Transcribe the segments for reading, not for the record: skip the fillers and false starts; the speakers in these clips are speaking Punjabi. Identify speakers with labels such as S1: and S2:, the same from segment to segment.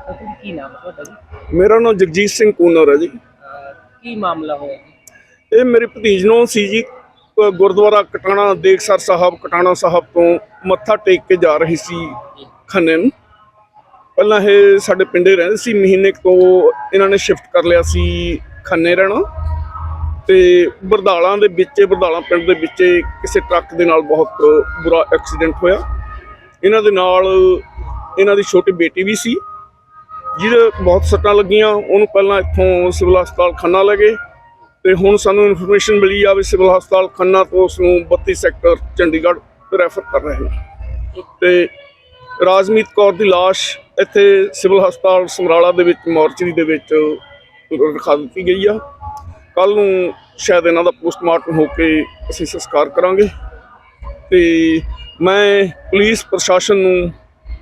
S1: ਕੀ ਨਾਮ ਹੈ ਤੁਹਾਡਾ ਜੀ?
S2: ਮੇਰਾ ਨਾਮ ਜਗਜੀਤ ਸਿੰਘ ਕੂਨਰ ਹੈ ਜੀ।
S1: ਕੀ ਮਾਮਲਾ ਹੋਇਆ ਜੀ?
S2: ਇਹ ਮੇਰੇ ਭਤੀਜ ਨੂੰ ਸੀ ਜੀ, ਗੁਰਦੁਆਰਾ ਕਟਾਣਾ ਦੇਖਸਰ ਸਾਹਿਬ ਕਟਾਣਾ ਸਾਹਿਬ ਤੋਂ ਮੱਥਾ ਟੇਕ ਕੇ ਜਾ ਰਹੀ ਸੀ ਖੰਨੇ ਨੂੰ। ਪਹਿਲਾਂ ਇਹ ਸਾਡੇ ਪਿੰਡੇ ਰਹਿੰਦੇ ਸੀ, ਮਹੀਨੇ ਤੋਂ ਇਹਨਾਂ ਨੇ ਸ਼ਿਫਟ ਕਰ ਲਿਆ ਸੀ ਖੰਨੇ ਰਹਿਣਾ। ਤੇ ਬਰਦਾਲਾਂ ਦੇ ਵਿੱਚ, ਬਰਦਾਲਾਂ ਪਿੰਡ ਦੇ ਵਿੱਚ ਕਿਸੇ ਟਰੱਕ ਦੇ ਨਾਲ ਬਹੁਤ ਬੁਰਾ ਐਕਸੀਡੈਂਟ ਹੋਇਆ। ਇਹਨਾਂ ਦੇ ਨਾਲ ਇਹਨਾਂ ਦੀ ਛੋਟੀ ਬੇਟੀ ਵੀ ਸੀ ਜਿਹਦੇ ਬਹੁਤ ਸੱਟਾਂ ਲੱਗੀਆਂ। ਉਹਨੂੰ ਪਹਿਲਾਂ ਇੱਥੋਂ ਸਿਵਲ ਹਸਪਤਾਲ ਖੰਨਾ ਲੈ ਗਏ ਤੇ ਹੁਣ ਸਾਨੂੰ ਇਨਫੋਰਮੇਸ਼ਨ ਮਿਲੀ ਆ ਵੀ ਸਿਵਲ ਹਸਪਤਾਲ ਖੰਨਾ ਤੋਂ ਉਸ ਨੂੰ 32 ਸੈਕਟਰ ਚੰਡੀਗੜ੍ਹ ਰੈਫਰ ਕਰ ਰਹੇ ਨੇ। ਤੇ ਰਾਜਮੀਤ ਕੌਰ ਦੀ ਲਾਸ਼ ਇੱਥੇ ਸਿਵਲ ਹਸਪਤਾਲ ਸਮਰਾਲਾ ਦੇ ਵਿੱਚ ਮੋਰਚਰੀ ਦੇ ਵਿੱਚ ਰਖਾ ਦਿੱਤੀ ਗਈ ਆ। ਕੱਲ੍ਹ ਨੂੰ ਸ਼ਾਇਦ ਇਹਨਾਂ ਦਾ ਪੋਸਟਮਾਰਟਮ ਹੋ ਕੇ ਅਸੀਂ ਸੰਸਕਾਰ ਕਰਾਂਗੇ। ਤੇ ਮੈਂ ਪੁਲਿਸ ਪ੍ਰਸ਼ਾਸਨ ਨੂੰ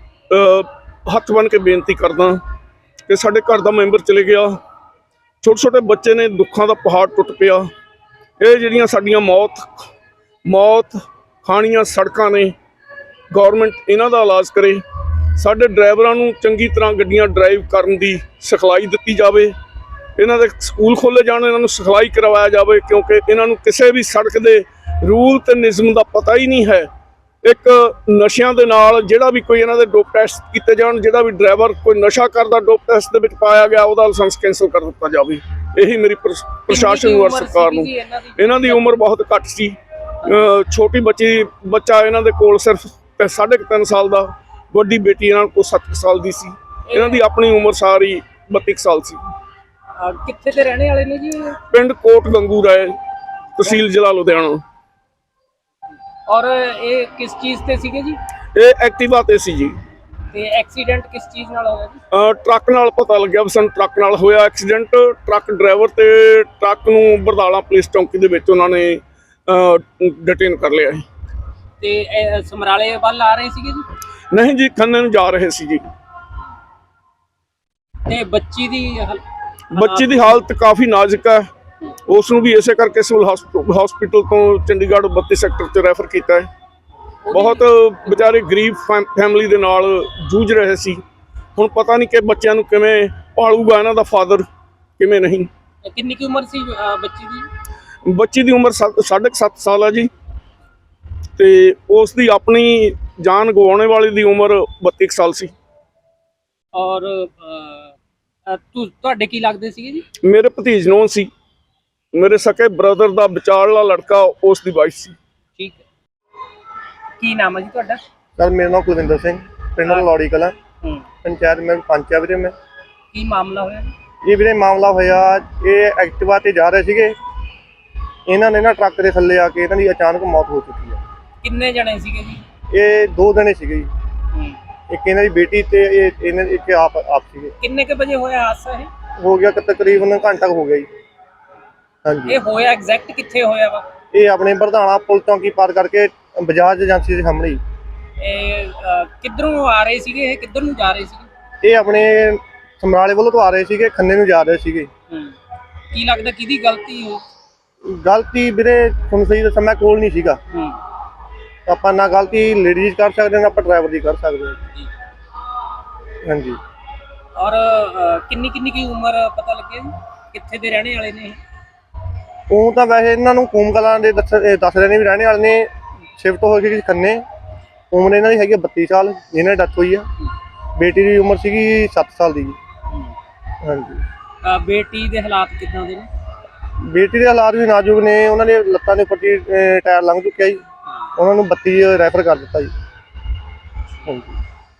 S2: ਹੱਥ ਬੰਨ੍ਹ ਕੇ ਬੇਨਤੀ ਕਰਦਾ ਕਿ ਸਾਡੇ ਘਰ ਦਾ ਮੈਂਬਰ ਚਲੇ ਗਿਆ, ਛੋਟੇ ਛੋਟੇ ਬੱਚੇ ਨੇ, ਦੁੱਖਾਂ ਦਾ ਪਹਾੜ ਟੁੱਟ ਪਿਆ। ਇਹ ਜਿਹੜੀਆਂ ਸਾਡੀਆਂ ਮੌਤ ਖਾਣੀਆਂ ਸੜਕਾਂ ਨੇ, ਗੌਰਮੈਂਟ ਇਹਨਾਂ ਦਾ ਇਲਾਜ ਕਰੇ। ਸਾਡੇ ਡਰਾਈਵਰਾਂ ਨੂੰ ਚੰਗੀ ਤਰ੍ਹਾਂ ਗੱਡੀਆਂ ਡਰਾਈਵ ਕਰਨ ਦੀ ਸਿਖਲਾਈ ਦਿੱਤੀ ਜਾਵੇ। ਇਹਨਾਂ ਦੇ ਸਕੂਲ ਖੋਲ੍ਹੇ ਜਾਣ, ਇਹਨਾਂ ਨੂੰ ਸਿਖਲਾਈ ਕਰਵਾਇਆ ਜਾਵੇ, ਕਿਉਂਕਿ ਇਹਨਾਂ ਨੂੰ ਕਿਸੇ ਵੀ ਸੜਕ ਦੇ ਰੂਲ ਤੇ ਨਿਯਮ ਦਾ ਪਤਾ ਹੀ ਨਹੀਂ ਹੈ। ਇੱਕ ਨਸ਼ਿਆਂ ਦੇ ਨਾਲ ਜਿਹੜਾ ਵੀ ਕੋਈ ਇਹਨਾਂ ਦੇ ਡੋਪ ਟੈਸਟ ਕੀਤੇ ਜਾਣ, ਜਿਹੜਾ ਵੀ ਡਰਾਈਵਰ ਕੋਈ ਨਸ਼ਾ ਕਰਦਾ ਡੋਪ ਟੈਸਟ ਦੇ ਵਿੱਚ ਪਾਇਆ ਗਿਆ ਉਹਦਾ ਲਾਇਸੈਂਸ ਕੈਂਸਲ ਕਰ ਦਿੱਤਾ ਜਾਵੇ। ਇਹੀ ਮੇਰੀ ਪ੍ਰਸ਼ਾਸਨ ਨੂੰ ਔਰ ਸਰਕਾਰ ਨੂੰ। ਇਹਨਾਂ ਦੀ ਉਮਰ ਬਹੁਤ ਘੱਟ ਸੀ, ਛੋਟੀ ਬੱਚਾ ਇਹਨਾਂ ਦੇ ਕੋਲ ਸਿਰਫ 3.5 ਸਾਲ ਦਾ, ਵੱਡੀ ਬੇਟੀ ਇਹਨਾਂ ਕੋਲ 7 ਸਾਲ ਦੀ ਸੀ। ਇਹਨਾਂ ਦੀ ਆਪਣੀ ਉਮਰ ਸਾਰੀ 32 ਸਾਲ ਸੀ।
S1: ਕਿੱਥੇ ਦੇ ਰਹਿਣੇ ਵਾਲੇ ਨੇ ਜੀ?
S2: ਪਿੰਡ ਕੋਟ ਗੰਗੂ ਰਾਏ, ਤਹਿਸੀਲ ਜ਼ਿਲ੍ਹਾ ਲੁਧਿਆਣਾ।
S1: ਔਰ ਇਹ ਕਿਸ ਚੀਜ਼ ਤੇ ਸੀਗੇ ਜੀ?
S2: ਇਹ ਐਕਟਿਵਾ ਤੇ ਸੀ ਜੀ।
S1: ਤੇ ਐਕਸੀਡੈਂਟ ਕਿਸ ਚੀਜ਼ ਨਾਲ ਹੋਇਆ ਜੀ?
S2: ਟਰੱਕ ਨਾਲ ਪਤਾ ਲੱਗਿਆ ਵੀ ਸਾਨੂੰ ਟਰੱਕ ਨਾਲ ਹੋਇਆ ਐਕਸੀਡੈਂਟ। ਟਰੱਕ ਡਰਾਈਵਰ ਤੇ ਟਰੱਕ ਨੂੰ ਬਰਦਾਲਾ ਪੁਲਿਸ ਚੌਂਕੀ ਦੇ ਵਿੱਚ ਉਹਨਾਂ ਨੇ ਡਿਟੇਨ ਕਰ ਲਿਆ ਸੀ।
S1: ਤੇ ਸਮਰਾਲੇ ਵੱਲ ਆ ਰਹੇ ਸੀਗੇ ਜੀ?
S2: ਨਹੀਂ ਜੀ, ਖੰਨੇ ਨੂੰ ਜਾ ਰਹੇ ਸੀ ਜੀ।
S1: ਤੇ ਬੱਚੀ ਦੀ
S2: ਹਾਲਤ ਕਾਫੀ ਨਾਜ਼ੁਕ ਹੈ। ਉਸ ਨੂੰ ਵੀ ਇਸੇ ਕਰਕੇ ਸਿਵਲ ਹਸਪੀਟਲ ਤੋਂ ਚੰਡੀਗੜ੍ਹ 32 ਸੈਕਟਰ 'ਚ ਰੈਫਰ ਕੀਤਾ ਹੈ। ਬਹੁਤ ਵਿਚਾਰੇ ਗਰੀਬ ਫੈਮਿਲੀ ਦੇ ਨਾਲ ਜੂਝ ਰਹੇ ਸੀ। ਹੁਣ ਪਤਾ ਨਹੀਂ ਕਿ ਬੱਚਿਆਂ ਨੂੰ ਕਿਵੇਂ ਪਾਲੂਗਾ ਇਹਨਾਂ ਦਾ ਫਾਦਰ, ਕਿਵੇਂ ਨਹੀਂ।
S1: ਕਿੰਨੀ ਕੀ ਉਮਰ ਸੀ ਬੱਚੀ ਦੀ?
S2: ਬੱਚੀ ਦੀ ਉਮਰ 7.5 ਸਾਲ ਹੈ ਜੀ। ਤੇ ਉਸ ਦੀ ਆਪਣੀ ਜਾਨ ਗਵਾਉਣੇ ਵਾਲੀ ਦੀ ਉਮਰ 32 ਸਾਲ ਸੀ।
S1: ਔਰ ਤੁਹਾਡੇ ਕੀ ਲੱਗਦੇ ਸੀਗੇ ਜੀ?
S2: ਮੇਰੇ ਭਤੀਜ ਨੂੰ ਸੀ, ਮੇਰੇ ਸਕੇ ਬ੍ਰਦਰ ਦਾ ਵਿਚਾਰਲਾ ਲੜਕਾ, ਉਸ ਦੀ ਵਾਈਫ ਸੀ।
S1: ਠੀਕ ਹੈ। ਕੀ ਨਾਮ ਹੈ ਜੀ ਤੁਹਾਡਾ?
S3: ਸਰ ਮੇਰਾ ਨਾਮ ਕੁਲਵਿੰਦਰ ਸਿੰਘ, ਪਿੰਡ ਲੌੜੀ ਕਲਾਂ, ਪੰਚਾਇਤ ਮੈਂ ਪੰਚ ਆ ਵੀਰੇ। ਮੈਂ
S1: ਕੀ ਮਾਮਲਾ ਹੋਇਆ
S3: ਜੀ? ਵੀਰੇ ਮਾਮਲਾ ਹੋਇਆ, ਇਹ ਐਕਟਿਵਾ ਤੇ ਜਾ ਰਹੇ ਸੀਗੇ, ਇਹਨਾਂ ਨੇ ਨਾ ਟਰੱਕ ਦੇ ਥੱਲੇ ਆ ਕੇ ਇਹਨਾਂ ਦੀ ਅਚਾਨਕ ਮੌਤ ਹੋ ਚੁੱਕੀ ਹੈ।
S1: ਕਿੰਨੇ ਜਣੇ ਸੀਗੇ ਜੀ?
S3: ਇਹ 2 ਜਣੇ ਸੀਗੇ ਜੀ, ਇੱਕ ਇਹਨਾਂ ਦੀ ਬੇਟੀ ਤੇ ਇੱਕ ਆਪ ਸੀਗੇ।
S1: ਕਿੰਨੇ ਕੇ ਵਜੇ ਹੋਇਆ ਹਾਦਸਾ? ਇਹ
S3: ਹੋ ਗਿਆ ਤਕਰੀਬਨ ਘੰਟਾ ਹੋ ਗਿਆ ਜੀ। ਹਾਂਜੀ।
S1: ਇਹ ਹੋਇਆ ਐਗਜ਼ੈਕਟ ਕਿੱਥੇ ਹੋਇਆ ਵਾ?
S3: ਇਹ ਆਪਣੇ ਬਰਧਾਣਾ ਪੁਲ ਚੌਂਕੀ ਪਾਰ ਕਰਕੇ ਬਜਾਜ ਏਜੰਸੀ ਦੇ ਸਾਹਮਣੇ।
S1: ਇਹ ਕਿੱਧਰੋਂ ਆ ਰਹੇ ਸੀਗੇ? ਇਹ ਕਿੱਧਰ ਨੂੰ ਜਾ ਰਹੇ ਸੀਗੇ?
S3: ਇਹ ਆਪਣੇ ਸਮਰਾਲੇ ਵੱਲੋਂ ਤੋਂ ਆ ਰਹੇ ਸੀਗੇ, ਖੰਨੇ ਨੂੰ ਜਾ ਰਹੇ ਸੀਗੇ।
S1: ਕੀ ਲੱਗਦਾ ਕਿਹਦੀ ਗਲਤੀ ਹੋਈ?
S3: ਗਲਤੀ ਵੀਰੇ ਤੁਹਾਨੂੰ ਸਹੀ ਦੱਸਾਂ, ਮੈਂ ਕੋਲ ਨਹੀਂ ਸੀਗਾ। ਆਪਾਂ ਨਾ ਗਲਤੀ ਲੇਡੀਜ਼ ਕਰ ਸਕਦੇ ਹਾਂ, ਆਪਾਂ ਡਰਾਈਵਰ ਦੀ ਕਰ ਸਕਦੇ ਹਾਂ। ਹਾਂਜੀ।
S1: ਔਰ ਕਿੰਨੀ ਕੀ ਉਮਰ ਪਤਾ ਲੱਗਿਆ ਜੀ? ਕਿੱਥੇ ਦੇ ਰਹਿਣੇ ਵਾਲੇ ਨੇ?
S3: ਉਹ ਤਾਂ ਵੈਸੇ ਇਹਨਾਂ ਨੂੰ ਕੂਮ ਕਲਾਂ ਦੇ ਦੱਸ ਰਹੇ ਨੇ ਵੀ ਰਹਿਣੇ ਵਾਲੇ ਨੇ, ਸ਼ਿਫਟ ਹੋ ਗਏ ਖੰਨੇ। ਉਮਰ ਇਹਨਾਂ ਦੀ ਹੈਗੀ 32 ਸਾਲ, ਜਿਹਨਾਂ ਦੀ ਡੈਥ ਹੋਈ ਆ। ਬੇਟੀ ਦੀ ਉਮਰ ਸੀਗੀ 7 ਸਾਲ ਦੀ ਜੀ। ਹਾਂਜੀ।
S1: ਬੇਟੀ ਦੇ ਹਾਲਾਤ ਕਿੱਦਾਂ ਦੇ ਨੇ?
S3: ਬੇਟੀ ਦੇ ਹਾਲਾਤ ਵੀ ਨਾਜ਼ੁਕ ਨੇ, ਉਹਨਾਂ ਦੇ ਲੱਤਾਂ ਦੇ ਉੱਪਰ ਟਾਇਰ ਲੰਘ ਚੁੱਕਿਆ ਜੀ, ਉਹਨਾਂ ਨੂੰ 32 ਰੈਫਰ ਕਰ ਦਿੱਤਾ ਜੀ। ਹਾਂਜੀ।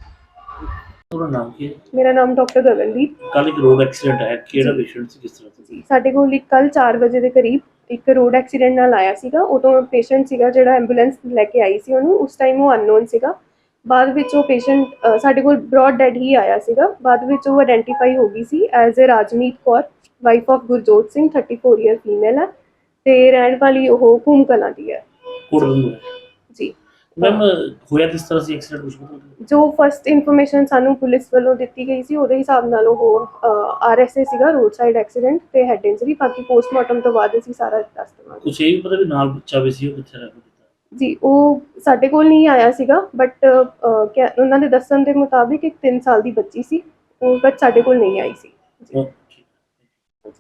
S4: ਨਾਮ ਕੀ ਹੈ?
S5: ਮੇਰਾ ਨਾਮ ਡਾਕਟਰ ਗਗਨਦੀਪ।
S4: ਕੱਲ ਇੱਕ ਰੋਡ ਐਕਸੀਡੈਂਟ ਹੈ, ਕਿਹੜਾ ਪੇਸ਼ੈਂਟ ਸੀ, ਕਿਸ ਤਰ੍ਹਾਂ ਸੀ?
S5: ਸਾਡੇ ਕੋਲ ਕੱਲ 4 ਵਜੇ ਦੇ ਕਰੀਬ ਇੱਕ ਰੋਡ ਐਕਸੀਡੈਂਟ ਨਾਲ ਆਇਆ ਸੀਗਾ। ਉਦੋਂ ਪੇਸ਼ੈਂਟ ਸੀਗਾ ਜਿਹੜਾ ਐਂਬੂਲੈਂਸ ਲੈ ਕੇ ਆਈ ਸੀ ਉਹਨੂੰ, ਉਸ ਟਾਈਮ ਉਹ ਅਨਨੋਨ ਸੀਗਾ। ਬਾਅਦ ਵਿੱਚ ਉਹ ਪੇਸ਼ੈਂਟ ਸਾਡੇ ਕੋਲ ਬ੍ਰੌਡ ਡੈਡ ਹੀ ਆਇਆ ਸੀਗਾ। ਬਾਅਦ ਵਿੱਚ ਉਹ ਆਇਡੈਂਟੀਫਾਈ ਹੋ ਗਈ ਸੀ as Rajmeet Kaur, wife of Gurjot Singh, 34 year female ਹੈ ਤੇ ਰਹਿਣ ਵਾਲੀ ਉਹ ਕੂਮ ਕਲਾਂ ਦੀ ਹੈ ਜੀ।
S4: ਮੈਮ ਹੋਇਆ ਕਿਸ ਤਰ੍ਹਾਂ ਸੀ ਐਕਸੀਡੈਂਟ? ਕੁਝ ਪਤਾ? ਜੋ
S5: ਫਸਟ ਇਨਫੋਰਮੇਸ਼ਨ ਸਾਨੂੰ ਪੁਲਿਸ ਵੱਲੋਂ ਦਿੱਤੀ ਗਈ ਸੀ ਉਹਦੇ ਹਿਸਾਬ ਨਾਲ ਉਹ RSA ਸੀਗਾ, ਰੋਡ ਸਾਈਡ ਐਕਸੀਡੈਂਟ ਤੇ ਹੈਡ ਇੰਜਰੀ। ਬਾਕੀ ਪੋਸਟਮਾਰਟਮ ਤੋਂ ਬਾਅਦ ਅਸੀਂ ਸਾਰਾ ਦੱਸ ਦੇਵਾਂਗੇ।
S4: ਕੁਝ ਇਹ ਵੀ ਪਤਾ ਵੀ ਨਾਲ ਬੱਚਾ ਵੀ ਸੀ, ਉਹ ਕਿੱਥੇ ਰਹਿ ਗਿਆ
S5: ਜੀ? ਉਹ ਸਾਡੇ ਕੋਲ ਨਹੀਂ ਆਇਆ ਸੀਗਾ, ਬਟ ਉਹਨਾਂ ਦੇ ਦੱਸਣ ਦੇ ਮੁਤਾਬਿਕ ਇੱਕ 3 ਸਾਲ ਦੀ ਬੱਚੀ ਸੀ, ਉਹ ਬਟ ਸਾਡੇ ਕੋਲ ਨਹੀਂ ਆਈ ਸੀ ਜੀ।